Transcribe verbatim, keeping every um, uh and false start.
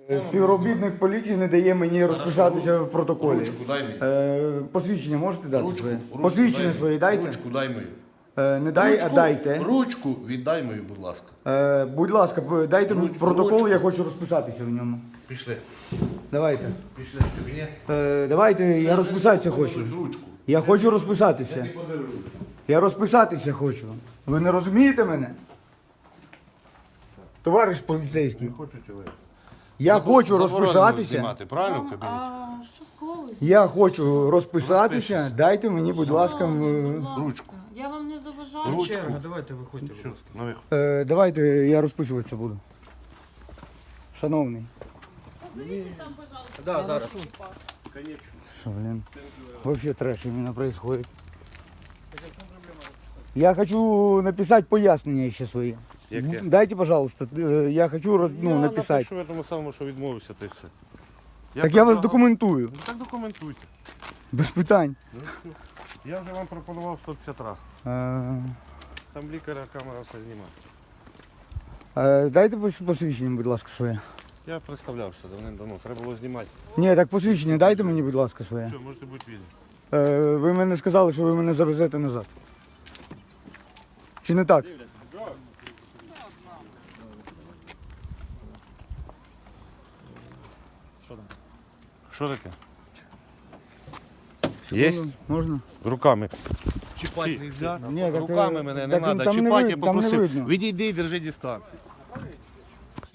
Співробітник поліції не дає мені розписатися в протоколі. Ручку дай мені. Е, посвідчення можете дати Ручку, своє? ручку Посвідчення дай своє мені. дайте. Ручку дай мою. Е, не дай, ручку, а дайте. Ручку віддай мою, будь ласка. Е, будь ласка, п- дайте мені Ручку, протокол, ручку. я хочу розписатися в ньому. Пішли. Давайте. Пішли в кабінет. Е, давайте, я розписатися хочу. Ручку. Я хочу розписатися. Ти подаруй ручку. Я розписатися хочу. Ви не розумієте мене? Товариш поліцейський. Хочу чоловік. Я хочу Заборонено розписатися. знімати, правильно в Вам, кабінеті? а що колись? Я хочу розписатися. Розпишись. Дайте мені, будь ласка, м, Будь ласка, ручку. Я вам не заважаю. Ручку. Черга, давайте виходьте. Що? На виход. е, давайте я розписуватися буду. Шановний. Уберите там, пожалуйста. Да, зараз. Что, блин? Вообще трэш именно происходит. Я хочу написать пояснення ще свої. Яке? Дайте, пожалуйста, э, я хочу роз, ну, Я написати. напишу в тому самому, що відмовився, та й все. Так я вас предлагав- документую. Ну, так документуйте. Без питань. Ну, все. Я вже вам пропонував сто п'ятдесят разів. Е, Там лікаря камера все знімає. е, Дайте пос- посвідчення, будь ласка, своє. Я представлявся давним-давно, треба було знімати. Ні, так посвідчення дайте мені, будь ласка, своє. Все, можете бути вільні. Е, Ви мене сказали, що ви мене завезете назад. Чи не так? Що таке? Є? Можна? Руками. Чіпати Ти- нельзя. Ні, так, Руками е, мене не так, треба там не чіпати, ви- я там не попросив. видно. Відійди і держи дистанцію.